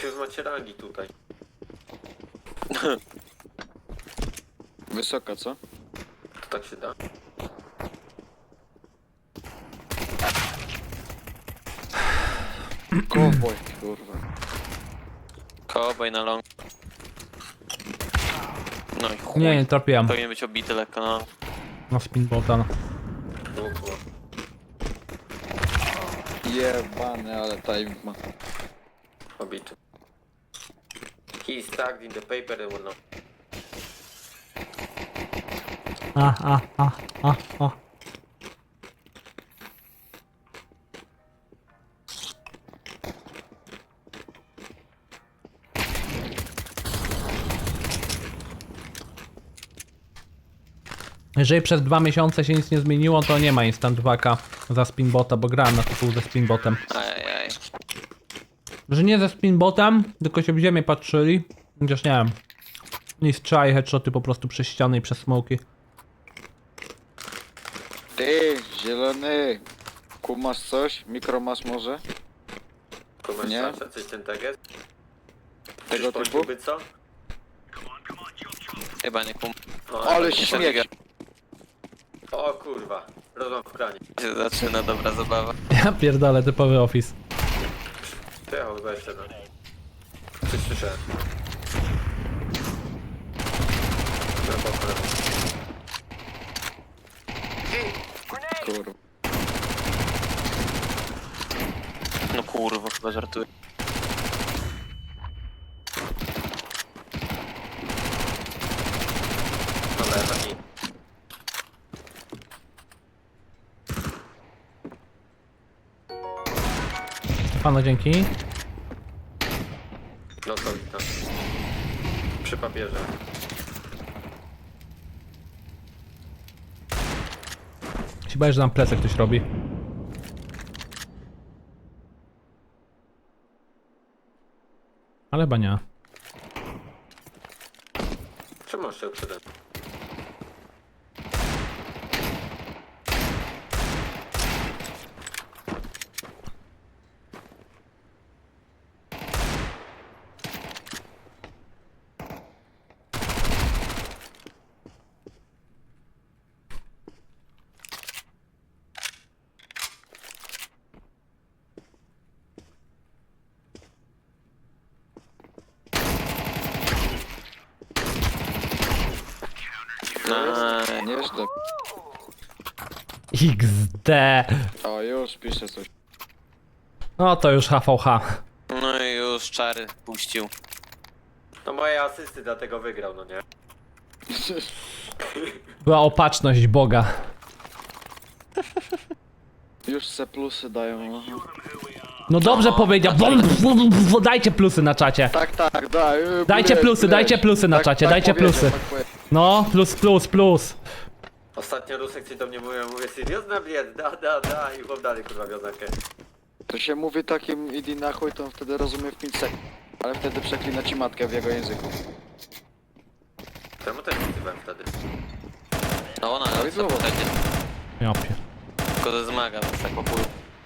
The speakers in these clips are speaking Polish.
Jakie wy macie rangi tutaj? Wysoka, co? To tak się da? Cowboy, kurwa. Cowboy na long. No i chuj. Nie trafiłem. Powinien być obity lekko, no. Na spinbota. Dwóch. Jebany, ale time ma. Obity. He is tagged in the paper and whatnot. A. Jeżeli przez 2 miesiące się nic nie zmieniło, to nie ma instant 2K za spinbota, bo grałem na tytuł ze spinbotem. Ajajaj. Że nie ze spinbotem, tylko się w ziemię patrzyli. Chociaż nie wiem. I strzaj headshoty po prostu przez ściany i przez smoki. Ty, zielony. Kumasz coś? Mikromasz może? Nie? Komersancja, coś ten tag jest? Tego Czyż typu? poszliby, co? Chyba nie kum... Ale nie śmieć. O kurwa, rozłam w kranie. się zaczyna dobra zabawa. Ja pierdolę, typowy office. Przyjechał 27. Coś słyszałem. Lewo, lewo. Kurwa. No kurwa, chyba żartuję. Dobra, taki. Pano, dzięki. No to witam. Przy papierze. Się boję, że nam plecek ktoś robi. Ale chyba nie. Czemu masz się przede mną? Nieźle. XD. O, już piszę coś. No to już HVH. No i już czary puścił. No moje asysty dlatego wygrał, no nie? Była opatrzność Boga. Już se plusy dają. Aha. No dobrze powiedział. Dajcie plusy na czacie. Tak, daj. Dajcie plusy, dajcie plusy na czacie, dajcie plusy. No, plus. Ostatnio Rusek ci do mnie mówię seriozna bliet, da i chłop dalej kurwa wiązankę. To się mówi takim idi na chuj, to on wtedy rozumie w 5 sekund. Ale wtedy przeklina ci matkę w jego języku. Czemu też wzywałem wtedy? No ona, No i co znowu. pytacie? Ja pier... Tylko to zmaga, więc tak po pół.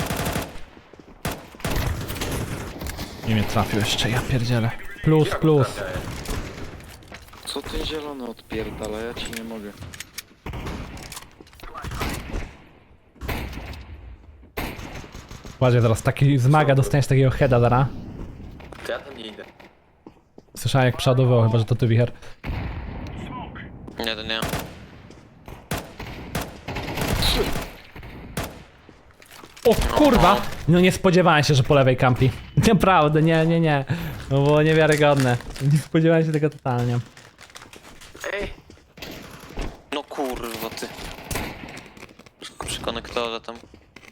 Nie mnie trafił jeszcze, ja pierdzielę. Plus. Jak trafiałem? Co ten zielony odpierdala? Ja ci nie mogę. Uważaj, zaraz taki zmaga, dostaniesz takiego heada zaraz. To ja tam nie idę. Słyszałem jak przeładował, chyba że to ty, Wicher. Nie, to nie. O kurwa! No nie spodziewałem się, że po lewej kampi. Naprawdę, nie. No było niewiarygodne. Nie spodziewałem się tego totalnie. Ej! No kurwa ty. Przy konektorze tam.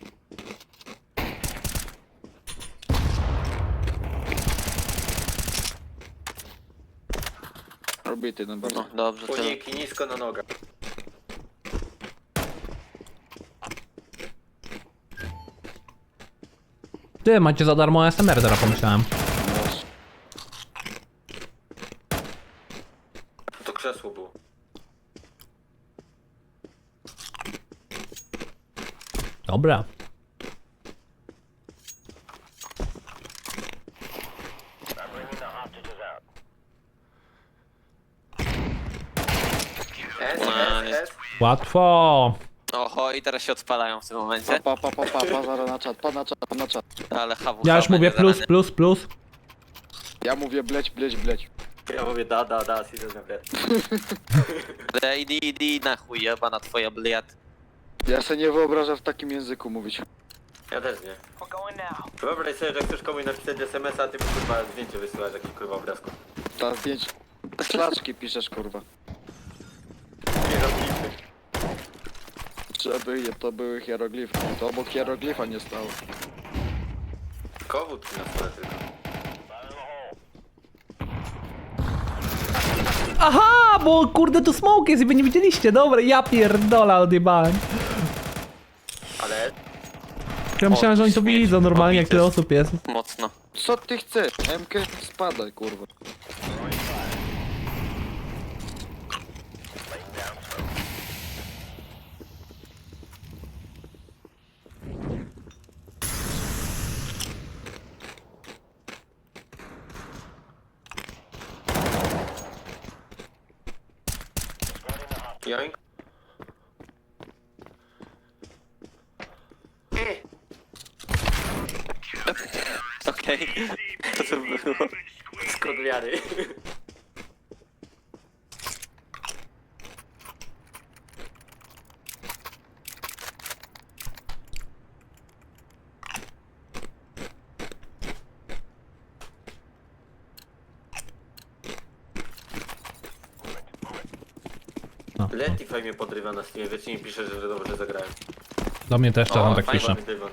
Robity, no bardzo. No dobrze, tyle. Uniki nisko na nogach. Ty, macie za darmo SMR, teraz pomyślałem. To krzesło było. Dobra. S. Łatwo. Oho, i teraz się odpalają w tym momencie. Pa, zaraz na czat, na czat. Ale hawu. Ja już mówię plus. Ja mówię bleć. Ja mówię da, siedzę na bled. Idy na chuj, jebana twoja bliat. Ja se nie wyobrażam w takim języku mówić. Ja też nie. Wyobraź sobie, że chcesz komuś napisać SMS-a, a ty mu kurwa zdjęcie wysyłasz jakiś kurwa obrazku. Ta zdjęć... Szlaczki piszesz, kurwa. Hieroglify. Żeby to były hieroglify. To obok hieroglifa nie stało. Kowód na stole tylko. Aha, bo kurde tu smoke jest i wy nie widzieliście. Dobra, ja pierdolę, odjebałem. Ale Ja myślałem, że oni to śmieć, widzą normalnie, jak tyle pobity. osób jest. Mocno. Co ty chcesz? MK spadaj, kurwa. joink. Okej. To co było? Skąd wiary. No. Letify mnie podrywa na Steamie, wiecie mi pisze, że dobrze zagrałem. Do mnie też czasem tak fajnie. pisze. Dywan.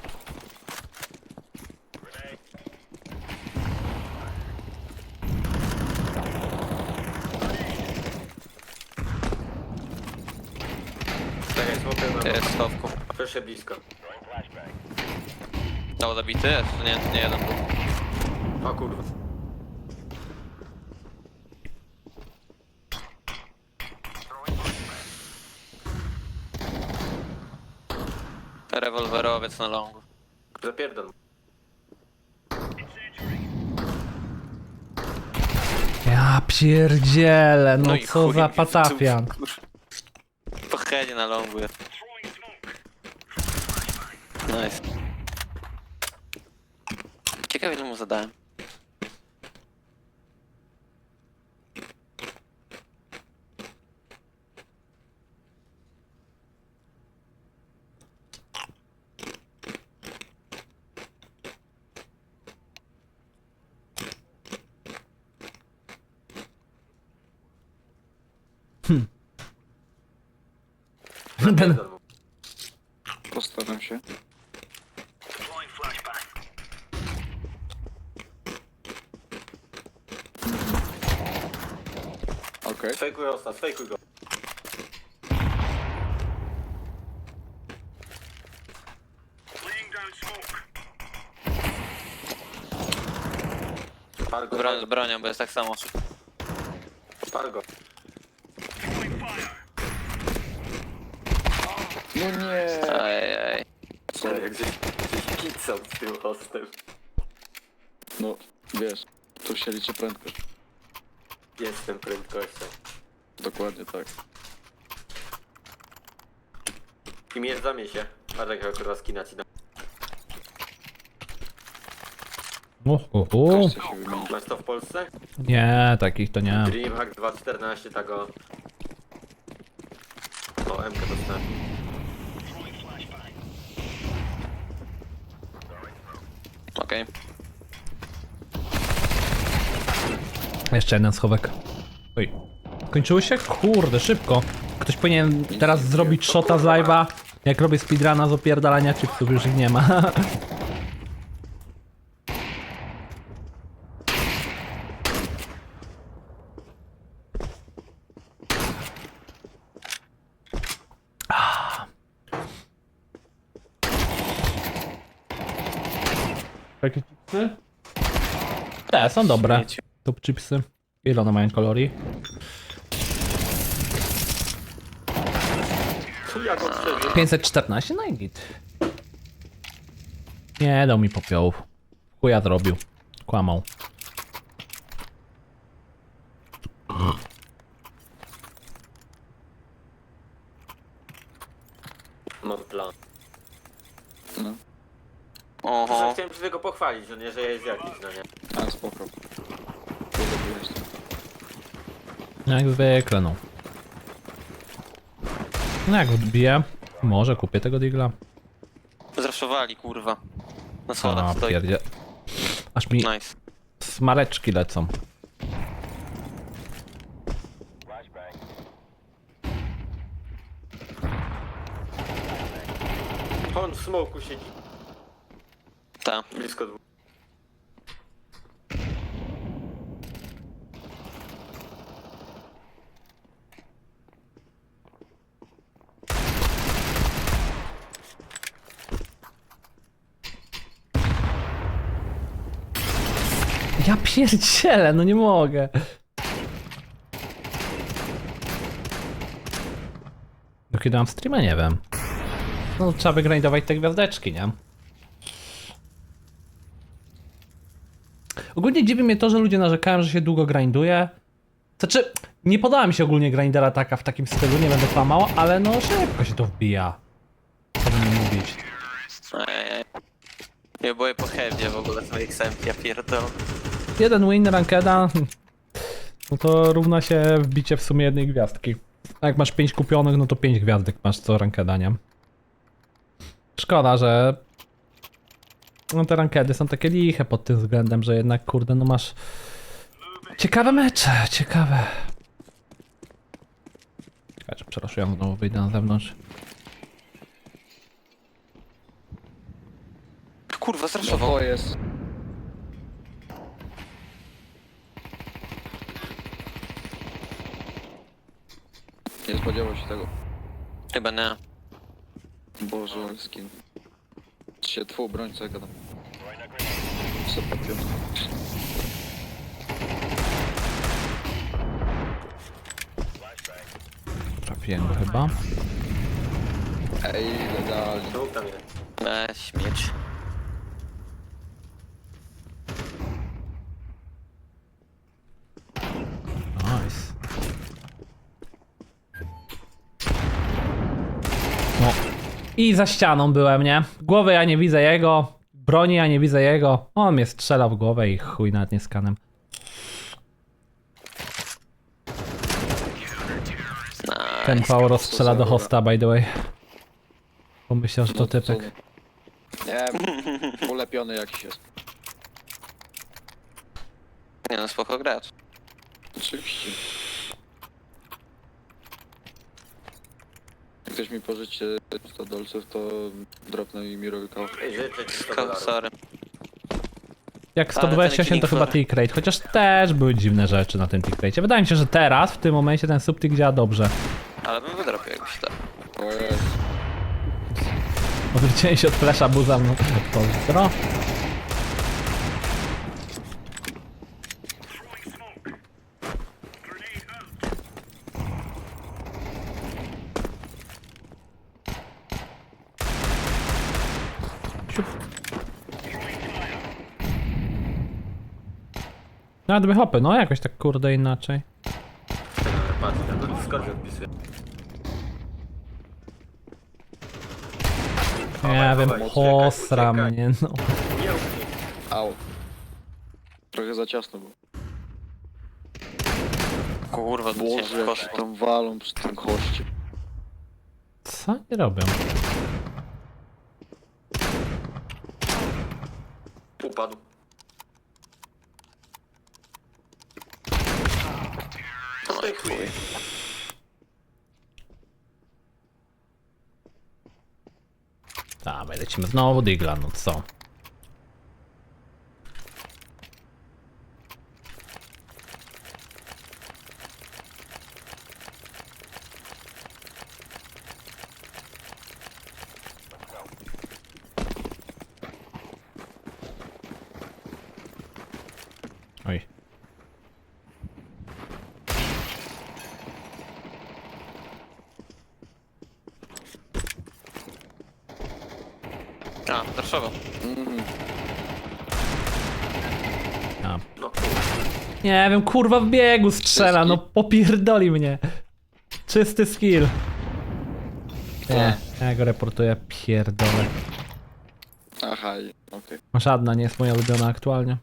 Czekaj, smoker na Jest w schowku. proszę blisko. No, zabity jest? Nie, to nie jeden był. O kurwa. Rewolwerowiec na longu. Zapierdol. Ja pierdzielę, no i co chuj, za patafian. Po headzie na longu jest. Nice. Ciekawe ile mu zadałem. Zapierdol mu. Postaram się. Okej. Fejkuj ostat, fejkuj go. Pal go, Z bronią, bo jest tak samo. pal go. No nie! Ajaj. Sorry, jak gdzieś pizzą z tym hostem. No, wiesz, tu się liczy prędkość. Jestem prędkością. Dokładnie tak. I miecz zamie się. Patrz jaka kurwa skina ci da. Każdy się wymieni. Masz to w Polsce? Nie, takich to nie. Dreamhack 2.14 tego... O, MK dostałem. Okej. Jeszcze jeden schowek. Oj. Kończyło się? Kurde, szybko. Ktoś powinien teraz zrobić shota z live'a. Jak robię speedruna z opierdalania chipsów, już ich nie ma. Jakie chipsy? Te, są dobre. Śmieci. Top chipsy. Ile one mają kalorii? Jak on przeżył? 514? No i git. Nie dał mi popiołów. Chuja zrobił. Kłamał. walić, no nie, że jest jakiś, no nie. A, spoko. Kurde, jest. Jak zwykle, no. No jak odbiję, może kupię tego digla. Zraszowali, kurwa. Na schodach A, stoi. pierdzie. Aż mi Nice. smareczki lecą. On w smoku siedzi, Ta. blisko dwóch. Ja pierdzielę, no nie mogę. Do kiedy mam streama? Nie wiem. No trzeba wygrindować te gwiazdeczki, nie? Ogólnie dziwi mnie to, że ludzie narzekają, że się długo grinduje. Znaczy, nie podoba mi się ogólnie grindera taka w takim stylu, nie będę kłamał, ale no szybko się to wbija. Co by nie mówić. Ej. Ja boję po headzie w ogóle swoich XM, ja pierdolę. Jeden win rankeda, no to równa się wbicie w sumie jednej gwiazdki. A jak masz 5 kupionych, no to 5 gwiazdek masz co rankeda, nie? Szkoda, że no te rankedy są takie liche pod tym względem, że jednak kurde, no masz ciekawe mecze, ciekawe. Czekajcie, przeraszuję, znowu wyjdę na zewnątrz. Kurwa, No zraszował. to jest. Nie spodziewał się tego. Chyba nie. Boże, skin. Się twój broń, co ja gadam. Super piątka. Trafiłem go chyba. Ej, legalnie. Dwóch tam jest. Śmieć. Nice. No. I za ścianą byłem, nie? Głowy ja nie widzę jego. Broni ja nie widzę jego. On mnie strzela w głowę i chuj, nawet nie skanem. Ten Pauro strzela do hosta, by the way. Pomyślał, że to typek. Nie, ulepiony jakiś jest. Nie no, spoko gracz. Oczywiście. Jak ktoś mi pożyczy 100 dolców, to dropnę i mi robi kawał. Ej, życzę ci 100 dolarów. Sorry. Jak Ale ten 128 to Killing chyba Floor. tick rate, chociaż też były dziwne rzeczy na tym tick rate. Wydaje mi się, że teraz, w tym momencie ten subtick działa dobrze. Ale bym wydropił jakbyś to. O jest. Odwróciłem się od flesza, buza mną. Pozdro. Siup. No, dwie hopy, no jakoś tak kurde inaczej. Patrz, ja do Discordzie odpisuję. Nie wiem, uciekaj, posra uciekaj. mnie, no. Nie uciekaj. Au. Trochę za ciasno było. Kurwa, Boże, jak się poszło. tam walą przy tym koście. Co oni robią? Upadł. Co ty chuj? Dawaj, lecimy znowu digla, no co? Oj. A, zraszował. A. No, Nie wiem, kurwa w biegu strzela, no popierdoli mnie. Czysty skill. Nie, ja go reportuję, pierdolę. Aha, okej. Żadna nie jest moja ulubiona aktualnie.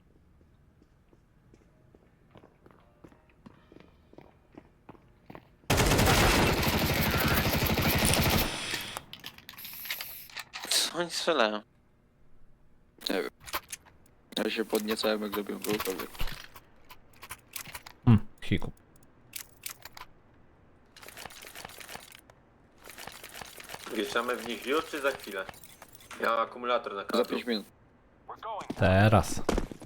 Co oni strzelają? Nie wiem. Ja się podniecałem, jak zrobiłem gołkowy. Hiku. Wjeżdżamy w nich już czy za chwilę? Ja mam akumulator na Za kablu. 5 minut. Teraz.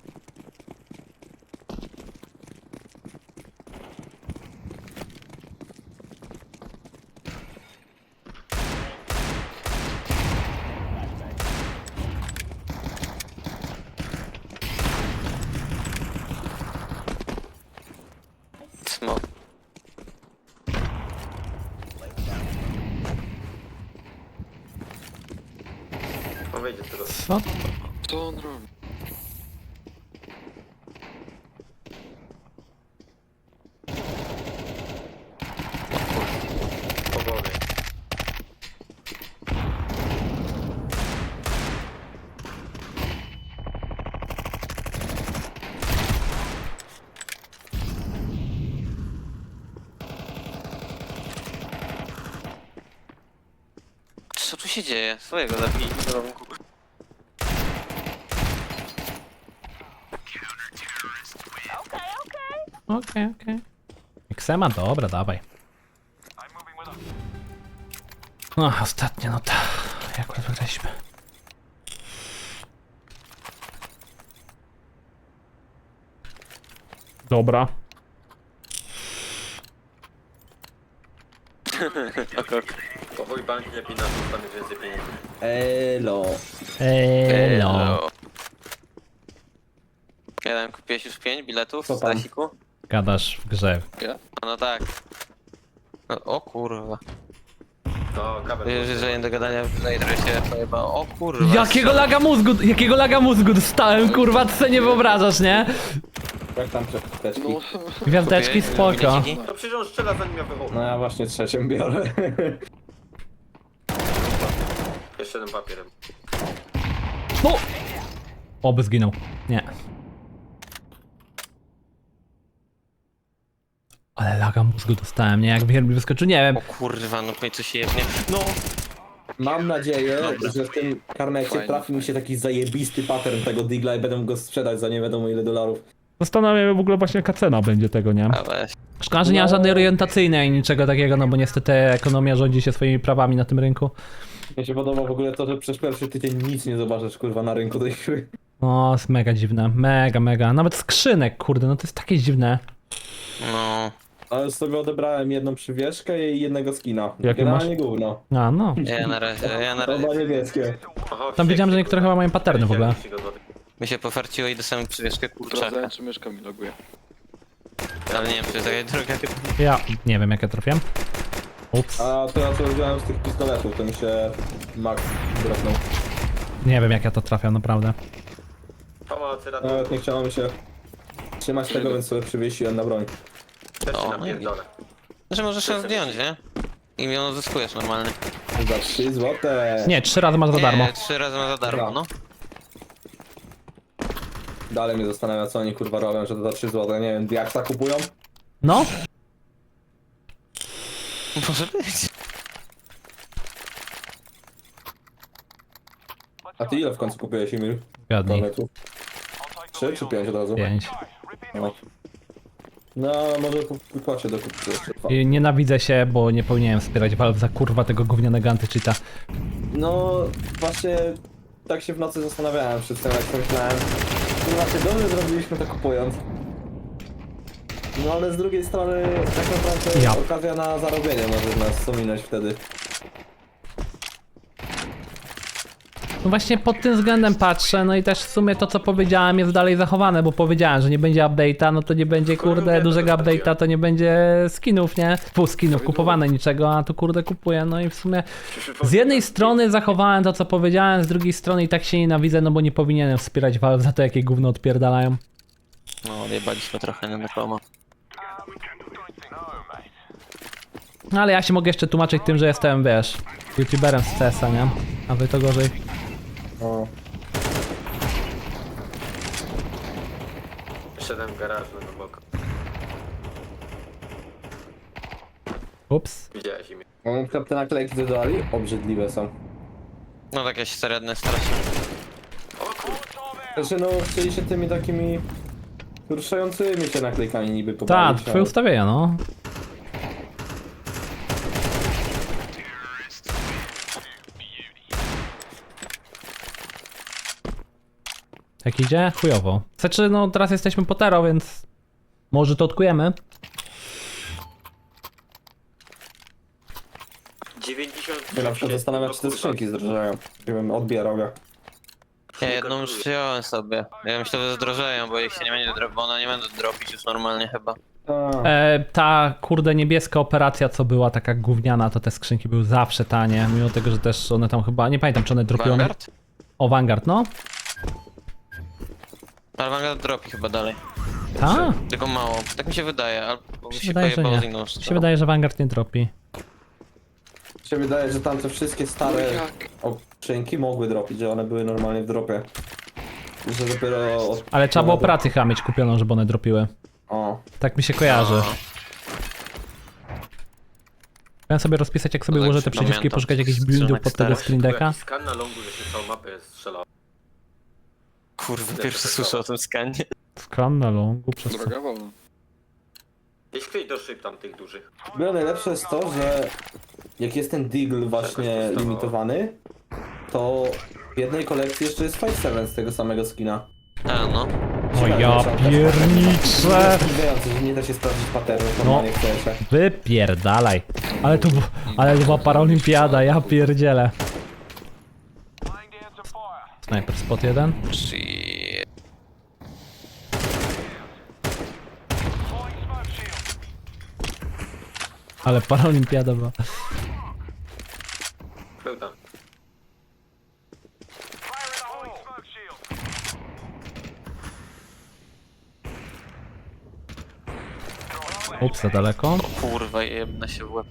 Smok. On wejdzie z tego. Co? Co on robi? Po głowie. Co tu się dzieje? Swojego zabili w rąku. Okej. Xema, dobra, dawaj. No, ostatnia nota. Jak wygraliśmy? Dobra. Ok. Po chuj banki lepiej na to, tam jest więcej pieniędzy. Elo. Elo. Jeden, kupiłeś już 5 biletów Co z tam? Stasiku? Gadasz w grze. No tak. No, o kurwa. No, kabel. Wiesz, że nie do gadania tutaj trochę się pojeba. O kurwa. Jakiego laga mózgu dostałem, kurwa, ty sobie nie wyobrażasz, nie? Jak tam przeteczki? No, Gwiazdeczki, Kupiłeś spoko. bileciki? To przecież on strzela zanim ja wychodzę. No ja właśnie trzecią biorę. Jeszcze jeden papierem. No! Oby zginął. Nie. Ale laga mózgu dostałem, nie? Jak mi wyskoczył, nie wiem. O kurwa, no w końcu się jebnie. No! Mam nadzieję, Dobra. że w tym karnecie Fajnie, trafi mi się taki zajebisty pattern tego digla i będę mógł go sprzedać za nie wiadomo ile dolarów. Zastanawiam się w ogóle właśnie jaka cena będzie tego, nie? A weź. Szkoda, że nie ma żadnej orientacyjnej ani niczego takiego, no bo niestety ekonomia rządzi się swoimi prawami na tym rynku. Mnie się podoba w ogóle to, że przez pierwszy tydzień nic nie zobaczysz kurwa na rynku tej gry. O, jest mega dziwne. Mega. Nawet skrzynek, kurde, no to jest takie dziwne. No. Ale sobie odebrałem jedną przywieszkę i jednego skina. Jakie Generalnie gówno. A, no. Ja na razie Oba niebieskie. Oho, Tam widziałem, że niektóre chyba mają paterny w ogóle. 30 złotych. mi się pofarciło i dostałem przywieszkę kurczaka. sprawdzałem, czy myszka mi loguje. Ale nie wiem, czy to jest taka droga. Ja nie wiem, jak ja trafiłem. Ups. A to ja co wziąłem z tych pistoletów, to mi się Max dropnął. Nie wiem, jak ja to trafiam, naprawdę. Pomocy, ratuj. Nawet nie chciało mi się trzymać tego, więc sobie przywiesiłem na broń. Też się O, napierdolę. Znaczy możesz ją zdjąć, nie? I ją uzyskujesz normalnie. Za 3 złote. Nie, 3 razy masz za darmo. Nie, 3 razy ma za darmo, no. Dalej mnie zastanawia, co oni kurwa robią, że to za 3 złote. Nie wiem, jak tak kupują? No? Może być. A ty ile w końcu kupiłeś, Emil? Zgadnij. Kornetów? 3 czy 5 od razu? 5. No, no może płacie do kupienia jeszcze dwa. I nienawidzę się, bo nie powinienem wspierać Valve za kurwa tego gównianego antycheata. No właśnie tak się w nocy zastanawiałem przed tym, jak pomyślałem. Kurwa, czy dobrze zrobiliśmy to kupując? No ale z drugiej strony tak naprawdę Ja. okazja na zarobienie może nas ominąć wtedy. No właśnie pod tym względem patrzę, no i też w sumie to co powiedziałem jest dalej zachowane, bo powiedziałem, że nie będzie update'a, no to nie będzie kurde dużego update'a, to nie będzie skinów, nie? Pół skinów kupowane niczego, a tu kurde kupuję, no i w sumie z jednej strony zachowałem to co powiedziałem, z drugiej strony i tak się nienawidzę, no bo nie powinienem wspierać Valve za to jakie gówno odpierdalają. No, odjebaliśmy trochę na komo. No ale ja się mogę jeszcze tłumaczyć tym, że jestem, wiesz, youtuberem z CS-a, nie? A wy to gorzej. O. Szedłem w garażu na bok. Ups. Widziałeś imię. No, na przykład te naklejki co dodali, obrzydliwe są. No takie średnie strasznie. Znaczy no, chcieli się tymi takimi ruszającymi się naklejkami niby Tak, pobawić. twoje ustawienia, no. Jak idzie? Chujowo. Znaczy, no teraz jesteśmy po tero, więc może to odkujemy. 90. Ja na przykład zastanawiam się, czy te skrzynki zdrożeją. Nie wiem, odbierał ja. Ja jedną już wziąłem sobie. Ja myślę, że zdrożeją, bo ich się nie będzie dropić, bo one nie będą dropić już normalnie chyba. Ta kurde niebieska operacja, co była taka gówniana, to te skrzynki były zawsze tanie, mimo tego, że też one tam chyba, nie pamiętam czy one dropiły. Vanguard? O, Vanguard, no. Ale Vanguard dropi chyba dalej. Ta? Tylko mało. Tak mi się wydaje, albo mi Mi się się wydaje, że pojebało z nie. inną Mi się wydaje, że Vanguard nie dropi. Mi się wydaje, że tam te wszystkie stare skrzynki mogły dropić, że one były normalnie w dropie. Że dopiero od... Ale trzeba było operację chyba mieć kupioną, żeby one dropiły. O. Tak mi się kojarzy. No. Chciałem sobie rozpisać, jak sobie No tak ułożę się te przyciski i pamiętam. poszukać jakichś buildów pod tego Skrzynek screen decka. Jakiś skan na longu, że się całą mapę strzelał. Kurwa, pierwszy słyszę o tym skanie. Skan na longu przez co? Droga wolna. Gdzieś ktoś do szyb tam tych dużych. Było najlepsze jest to, że jak jest ten Deagle właśnie limitowany, to w jednej kolekcji jeszcze jest 5-7 z tego samego skina. A no. O ja pierniczę! Zdziwiające, że nie da się sprawdzić patternów normalnie w CS-ie. Wypierdalaj. Ale to była paraolimpiada, ja pierdzielę. Sniper spot 1. Shit. Ale paraolimpiada była. Był tam. Ups, za daleko. Kurwa, jebna się w łeb.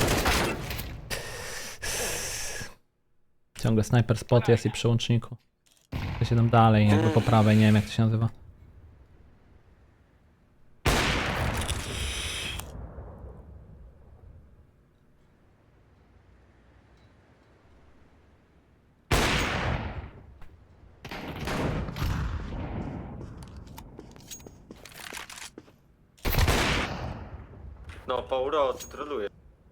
Ciągle sniper spot jest i przy łączniku. To się tam dalej, jakby po prawej, nie wiem jak to się nazywa. No, Pauro, ty troluje.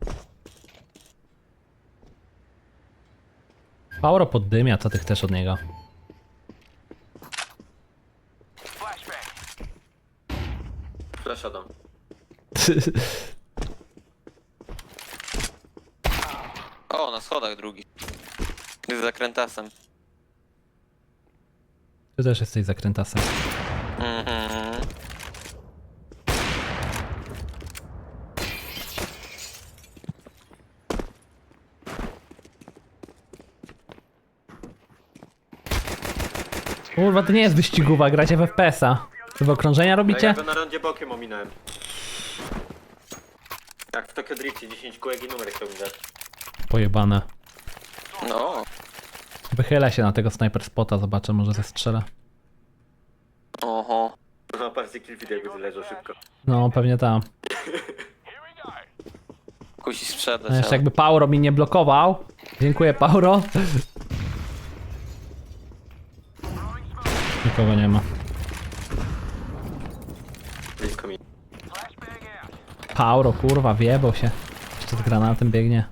Pauro poddymia, co ty chcesz od niego? Flasha dam. O, na schodach drugi. Z zakrętasem. Ty też jesteś zakrętasem. Mhm. Kurwa, to nie jest wyścigówa, gracie w FPS-a. Wy w okrążenia Ja robicie? go na rondzie bokiem ominąłem. Jak w Tokyo Driftie 10 kółek i numer chciał mi dać. Pojebane. No. Wychylę się na tego sniper spota, zobaczę, może zestrzelę. Oho. No, patrzcie, kilfit jakby leżał szybko. No, pewnie tam. Kusi sprzedać, No jeszcze ale... jakby Pauro mi nie blokował. Dziękuję, Pauro. Nikogo nie ma. Blisko mi. Pauro, kurwa, wjebał się. Jeszcze z granatem biegnie.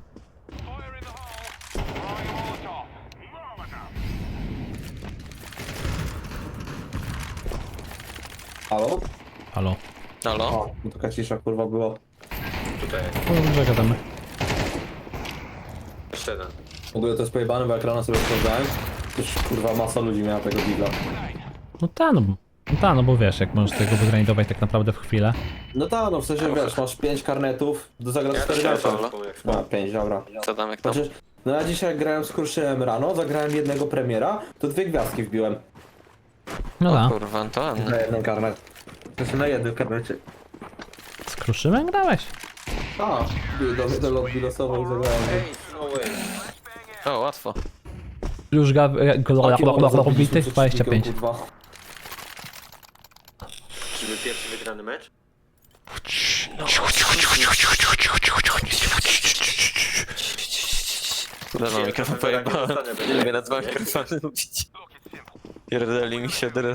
Halo? Halo. Halo? O, no taka cisza kurwa było. Tutaj jest. No dobrze, gadamy. Jeszcze jeden. W ogóle to jest pojebane, bo jak rano sobie sprawdzałem, to już kurwa masa ludzi miała tego Deagla. No bo wiesz, jak możesz tego wygrindować tak naprawdę w chwilę. No tak, no w sensie wiesz, masz 5 karnetów, do zagrać Ja 4 też mecze. mam jak spał. No, 5, dobra. Co tam, jak tam? Chociaż, no ja dzisiaj jak grałem z Kruszynem rano, zagrałem jednego premiera, to 2 gwiazdki wbiłem. No O da. kurwa, to ładne. Na jeden karnet. Znaczy na jednym karnecie. Z Kruszynem grałeś? A, do lobby losowej zagrałem. Ej, no way. O, łatwo. Już Taki moment bitych zabiliśmy 25. przed kurwa. Czyby pierwszy wygrany mecz? Dobra, mikrofon pojebałem. zostanę, będzie. Nie lubię na dwa mikrofony mówić. Pierdoli mi się teraz.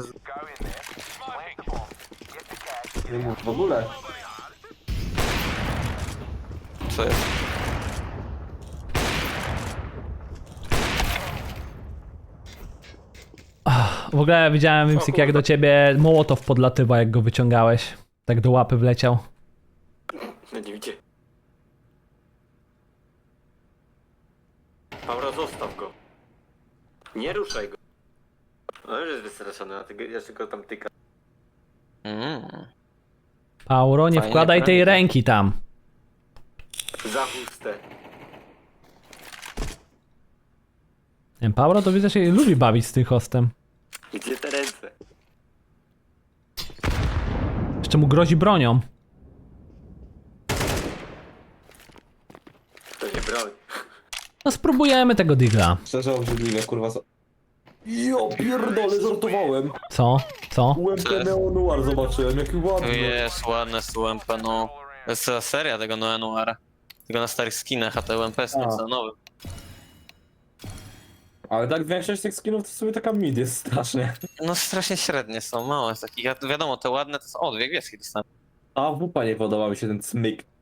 Nie mów w ogóle. Co jest? W ogóle widziałem, Wimsik, jak do ciebie Mołotow podlatywa, jak go wyciągałeś. Tak do łapy wleciał. No nie widzicie. Paura, zostaw go. Nie ruszaj go. No już jest wystraszony, a ty jeszcze go tam tyka. Pauro, nie Fajnie, wkładaj tej fajnie. ręki tam. Za chustę. Nie wiem, Pauro to widzę, się lubi bawić z tym hostem. Gdzie te ręce? Jeszcze mu grozi bronią. To nie broń. No spróbujemy tego digla. Szczerze obrzydliwe, kurwa. Jo, pierdolę, żartowałem. Co? Co? UMP Neo Noir zobaczyłem, jaki ładny. Jest ładne z UMP, no. To jest cała seria tego Neo Noira. Tylko na starych skinach, a te UMP jest A. nieco nowy. Ale tak większość tych skinów to sobie taka mid jest strasznie. No strasznie średnie są, mało jest takich. Wiadomo, te ładne to są... O, dwie gwiazdki dostałem. A w WP nie podoba mi się ten smyk.